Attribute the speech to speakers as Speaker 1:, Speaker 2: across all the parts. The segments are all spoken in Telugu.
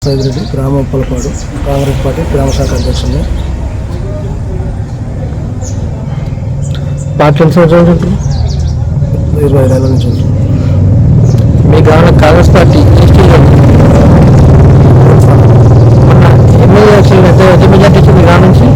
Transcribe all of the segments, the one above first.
Speaker 1: రెడ్డి గ్రామ ఉప్పలపాడు కాంగ్రెస్ పార్టీ గ్రామ శాఖ అధ్యక్షుడిని.
Speaker 2: పార్టీ ఎన్ని సంవత్సరాలు ఉంటుంది?
Speaker 1: 25 ఏళ్ళ నుంచి ఉంటుంది.
Speaker 2: మీ గ్రామంలో కాంగ్రెస్ పార్టీ ఎమ్మెల్యే ఎంత మెజార్టీ వచ్చింది మీ గ్రామం నుంచి?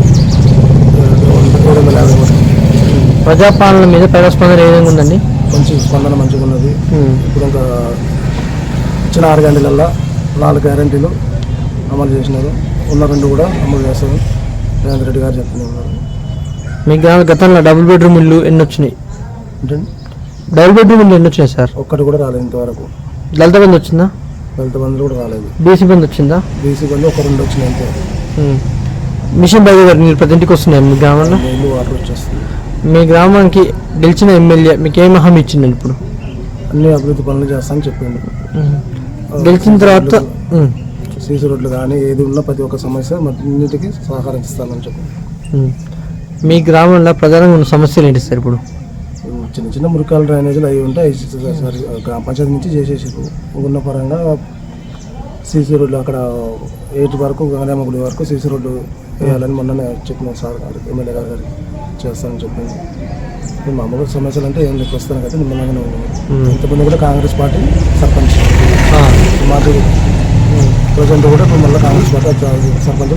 Speaker 1: 750 ఓట్లు.
Speaker 2: ప్రజాపాలన మీద ప్రజాస్పందన ఏ విధంగా ఉందండి?
Speaker 1: మంచి స్పందన మంచిగా ఉన్నది. ఇప్పుడు ఇంకా ఇచ్చిన 6 గంటలల్లో 4 గ్యారెంటీలు అమలు చేసినారు. ఉన్న 2 కూడా అమలు చేస్తారు. రేవంత్ రెడ్డి గారు చెప్తూనే ఉన్నారు.
Speaker 2: మీ గ్రామ గతంలో డబుల్ బెడ్రూమ్ ఇల్లు ఎన్ని వచ్చినాయి? డబుల్ బెడ్రూమ్ ఇల్లు ఎన్ని వచ్చినాయి సార్?
Speaker 1: ఒక్కటి కూడా రాలేదు ఇంతవరకు.
Speaker 2: దళిత బంధు వచ్చిందా?
Speaker 1: దళిత బంధువులు కూడా రాలేదు.
Speaker 2: బీసీ బంధు వచ్చిందా?
Speaker 1: బీసీ బంధు 1-2 వచ్చినాయి అంతే.
Speaker 2: మిషన్ భగీ గారు మీరు ప్రతి ఇంటికి వస్తున్నాయి మీ గ్రామంలో?
Speaker 1: నీళ్ళు వాటర్ వచ్చేస్తుంది.
Speaker 2: మీ గ్రామానికి గెలిచిన ఎమ్మెల్యే మీకు ఏం హామీ ఇచ్చిందండి? ఇప్పుడు
Speaker 1: అన్ని అభివృద్ధి పనులు చేస్తానని చెప్పిండు.
Speaker 2: గెలిచిన తర్వాత
Speaker 1: సీసీ రోడ్లు కానీ ఏది ఉన్నా ప్రతి ఒక్క సమస్య అన్నిటికీ సహకరిస్తానని చెప్పి.
Speaker 2: మీ గ్రామంలో ప్రధానంగా ఉన్న సమస్యలు ఏంటి సార్? ఇప్పుడు
Speaker 1: చిన్న చిన్న మురికాల డ్రైనేజీలు అవి ఉంటాయి. గ్రామ పంచాయతీ నుంచి చేసేసారు. ఉన్న పరంగా సీసీ రోడ్లు అక్కడ 8 వరకు గంగమ్మ గుడి వరకు సీసీ రోడ్డు వేయాలని మొన్ననే చెప్పిన సార్ గారు ఎమ్మెల్యే గారికి చేస్తానని చెప్పింది. మామూలుగా సమస్యలు అంటే ఏం లెక్క వస్తాను కదా నిమ్మలంగానే ఉన్నాను. ఇంతకుముందు కూడా కాంగ్రెస్ పార్టీ సర్పంచ్ మాకు ప్రజెంట్ కూడా ఇప్పుడు మళ్ళీ కాంగ్రెస్ పార్టీ సర్పంచ్.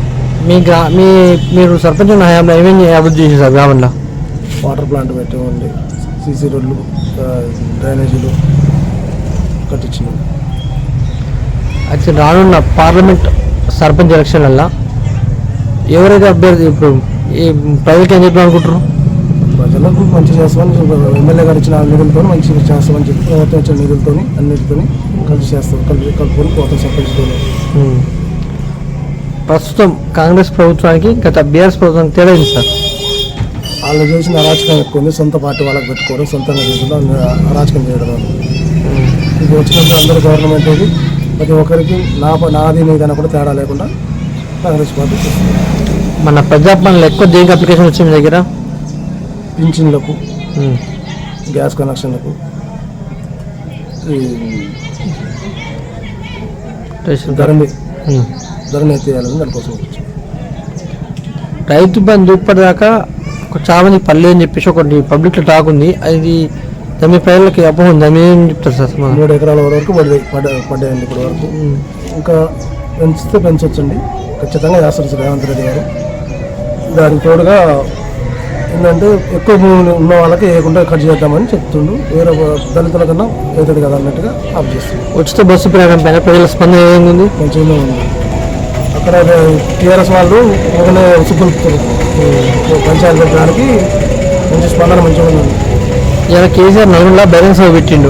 Speaker 2: మీరు సర్పంచ్ హయాంలో ఏమేమి అభివృద్ధి చేశారు సార్ గ్రామంలో?
Speaker 1: వాటర్ ప్లాంట్ పెట్టేవండి, సీసీ రోడ్లు, డ్రైనేజీలు కట్టించినాం.
Speaker 2: అయితే రానున్న పార్లమెంట్ సర్పంచ్ ఎలక్షన్లలో ఎవరైతే అభ్యర్థి ఇప్పుడు ఈ ప్రజలకు ఏం చెప్పారు అనుకుంటారు?
Speaker 1: ప్రజలకు మంచి చేస్తామని ఎమ్మెల్యే గారు ఇచ్చిన నిధులతో మంచి చేస్తామని చెప్పి ప్రభుత్వం ఇచ్చిన నిధులతో అన్నిటితో కలిసి చేస్తాం. కలుపుకొని పోతాం సర్పంచ్తో.
Speaker 2: ప్రస్తుతం కాంగ్రెస్ ప్రభుత్వానికి గత బీఆర్ఎస్ ప్రభుత్వానికి తేడా ఏంటి సార్?
Speaker 1: వాళ్ళు చేసిన అరాచకం ఎక్కువ ఉంది. సొంత పార్టీ వాళ్ళకి పెట్టుకోవడం, సొంతంగా చేసిన అరాచకం చేయడం. ఇది వచ్చినప్పుడు అందరూ గవర్నమెంట్ ఇది ప్రతి ఒక్కరికి నాది నీదైనా కూడా తేడా లేకుండా కాంగ్రెస్ పార్టీ చేస్తుంది.
Speaker 2: మన ప్రజాపాలనలో ఎక్కువ దేనికి అప్లికేషన్ వచ్చింది మీ దగ్గర?
Speaker 1: పింఛన్లకు, గ్యాస్ కనెక్షన్లకు, ధరని ఎత్తేయాలని దానికోసం వచ్చింది.
Speaker 2: రైతు బంధు ఇప్పటిదాకా చాలా మంది పల్లె అని చెప్పేసి ఒకటి పబ్లిక్లో టాక్ ఉంది. అది మీ ప్రజలకి అపోహ ఉంది. దాన్ని ఏం చెప్తారు సార్?
Speaker 1: 3 ఎకరాల వరకు పడ్డాయండి ఇప్పటి వరకు. ఇంకా పెంచితే పెంచవచ్చండి, ఖచ్చితంగా చేస్తారు రేవంత్ రెడ్డి గారు. దానికి తోడుగా ఏంటంటే ఎక్కువ భూములు ఉన్న వాళ్ళకి వేయకుండా కట్ చేద్దామని చెప్తుండు. వేరే దళితుల కన్నా అవుతుంది కదా అన్నట్టుగా ఆఫ్ చేస్తుంది.
Speaker 2: ఉచిత బస్సు ప్రయాణం పైన ప్రజల స్పందన ఏముంది?
Speaker 1: మంచిగానే ఉంది. అక్కడ టీఆర్ఎస్ వాళ్ళు ఒకనే ఉసుగులుపుతారు పంచాయతీ పెట్టడానికి. మంచి స్పందన మంచిగా ఉంది.
Speaker 2: ఇలా కేసీఆర్ నలుగురులా బహిరంగ సభ పెట్టిండు.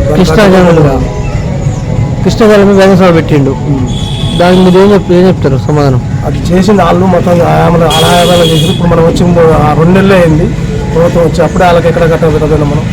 Speaker 2: కృష్ణాజలం బహిరంగ సభ పెట్టిండు. దానికి మీరు ఏం చెప్తారు సమాధానం? అది
Speaker 1: చేసింది వాళ్ళు మొత్తం ఆయామాలు చేసి ఇప్పుడు మనం వచ్చి 2 నెలలు అయింది ప్రభుత్వం వచ్చి. అప్పుడే వాళ్ళకి ఎక్కడ కట్టబెట్టదు. మనం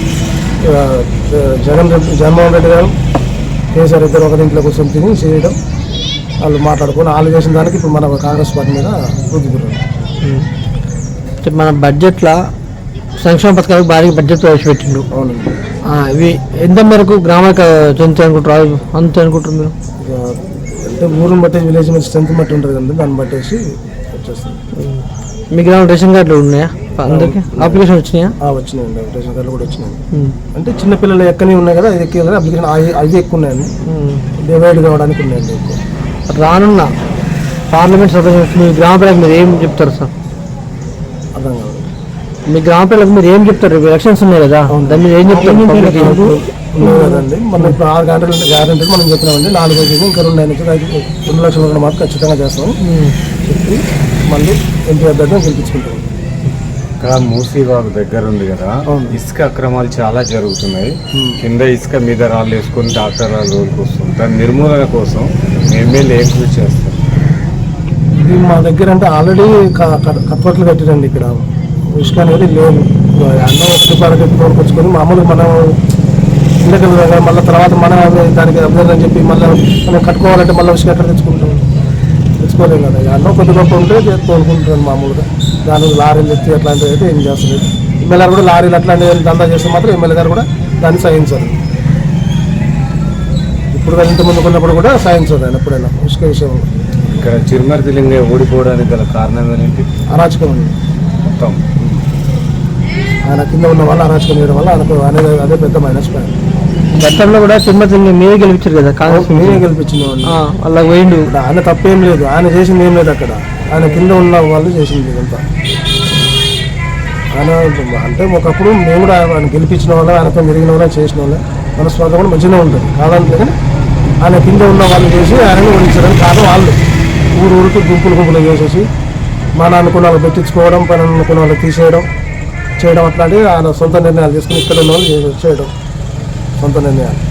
Speaker 1: జగన్మోహన్ రెడ్డి గారు కేసీఆర్ ఇద్దరు ఒక ఇంట్లో కూర్చొని తిని చేయడం, వాళ్ళు మాట్లాడుకొని వాళ్ళు చేసిన దానికి ఇప్పుడు మన కాంగ్రెస్ పార్టీ మీద వృద్ధి పెరగదు.
Speaker 2: మన బడ్జెట్లో సంక్షేమ పథకాలకు భారీ బడ్జెట్ ప్రవేశపెట్టిండు.
Speaker 1: అవునండి.
Speaker 2: ఇవి ఎంత మేరకు గ్రామానికి చెందుతాయి అనుకుంటారు? అంతే అనుకుంటారు మీరు?
Speaker 1: అంటే ఊరిని బట్టి విలేజ్ మీద స్ట్రెంత్ బట్టి ఉంటుంది కదండి, దాన్ని బట్టేసి వచ్చేస్తుంది.
Speaker 2: మీ గ్రామం రేషన్ కార్డులు ఉన్నాయా? అందరికి అప్లికేషన్ వచ్చినాయా?
Speaker 1: వచ్చినాయండి, రేషన్ కార్డులు కూడా వచ్చినాయి. అంటే చిన్నపిల్లలు ఎక్కనే ఉన్నాయి కదా, అది ఎక్కే కదా అప్లికేషన్ అవి ఎక్కువ ఉన్నాయండి. డివైడ్ కావడానికి ఉన్నాయండి ఎక్కువ.
Speaker 2: రానున్న పార్లమెంట్ సభ్యులు మీ గ్రామ ప్రజలకు మీరు ఏం చెప్తారు సార్?
Speaker 1: అర్థం కాదు.
Speaker 2: మీ గ్రామ ప్రజలకు మీరు ఏం చెప్తారు? ఎలక్షన్స్ ఉన్నాయి కదా, దాన్ని మీరు ఏం చెప్తారు?
Speaker 1: ఉన్నాయి కదండి, మనం ఇప్పుడు 6 గంటలు గ్యారెంటీ మనం చెప్పినామండి. 4 రోజులు ఇంకా 2 నుంచి 2 లక్షల రూపాయలు మాత్రం ఖచ్చితంగా చేస్తాము చెప్పి మళ్ళీ ఎంపీ అభ్యర్థిని గెలిపించుకుంటాం.
Speaker 3: ఇక్కడ మూసీబాగ్ దగ్గర ఉంది కదా, ఇసుక అక్రమాలు చాలా జరుగుతున్నాయి. కింద ఇసుక మీద రాళ్ళు వేసుకొని డాక్టర్ రోజుకి వస్తుంది. దాని నిర్మూలన కోసం ఎమ్మెల్యే ఏం కృషి చేస్తారు?
Speaker 1: ఇది మా దగ్గర అంటే ఆల్రెడీ కత్వట్లు కట్టిరండి. ఇక్కడ ఇసుక అనేది లేదు. అన్నం ఒకటి పరగతి తోడుకొచ్చుకొని మామూలుగా మనం ఇండకలు మళ్ళీ తర్వాత మన దానికి అభ్యర్థి అని చెప్పి మళ్ళీ మనం కట్టుకోవాలంటే మళ్ళీ ఇసుక ఎక్కడ తెచ్చుకోలేం కదా. అన్నం కొద్ది గొప్ప ఉంటే తోడుకుంటున్నాను మామూలుగా. దాని లారీలు ఎత్తి అట్లాంటివి అయితే ఏం చేస్తలేదు. ఎమ్మెల్యే గారు కూడా లారీలు అట్లాంటివి దందా చేస్తే మాత్రం ఎమ్మెల్యే గారు కూడా దాన్ని సహించారు. ఇప్పుడు ఇంత ముందు ఉన్నప్పుడు కూడా సాధించారు ఆయన ఎప్పుడైనా ఇసుక విషయంలో.
Speaker 3: ఇక్కడ చిరుమర్తి లింగయ్య ఓడిపోవడానికి గల కారణం ఏంటి?
Speaker 1: అరాచకం ఉంది
Speaker 3: మొత్తం.
Speaker 1: ఆయన కింద ఉన్న వాళ్ళు అరాచకం చేయడం వల్ల ఆయనకు అనేది అదే పెద్ద మైనస్ పాయింట్.
Speaker 2: గతంలో కూడా తిరుమతి మీరే గెలిపించారు కదా కాంగ్రెస్
Speaker 1: నేనే గెలిపించిన వాళ్ళు.
Speaker 2: అలా పోయిండు.
Speaker 1: ఆయన తప్పేం లేదు, ఆయన చేసింది ఏం లేదు అక్కడ. ఆయన కింద ఉన్న వాళ్ళు చేసింది ఇదంతా. ఆయన అంటే ఒకప్పుడు మేము కూడా ఆయన గెలిపించిన వాళ్ళ, ఆయనతో మెరిగిన వాళ్ళ, చేసిన వాళ్ళ మనస్వార్థం కూడా మంచిగా ఉంటుంది కాదంటే. కానీ ఆయన కింద ఉన్న వాళ్ళు చేసి ఆయనను ఓడించడానికి కారణం వాళ్ళు. ఊరికి గుంపులు చేసేసి మన అనుకున్న వాళ్ళు పెట్టించుకోవడం, పని అనుకున్న వాళ్ళు తీసేయడం చేయడం అట్లాంటివి ఆయన సొంత నిర్ణయాలు తీసుకుని ఇక్కడ ఉన్న వాళ్ళు చేయడం సొంత నిర్ణయాలు.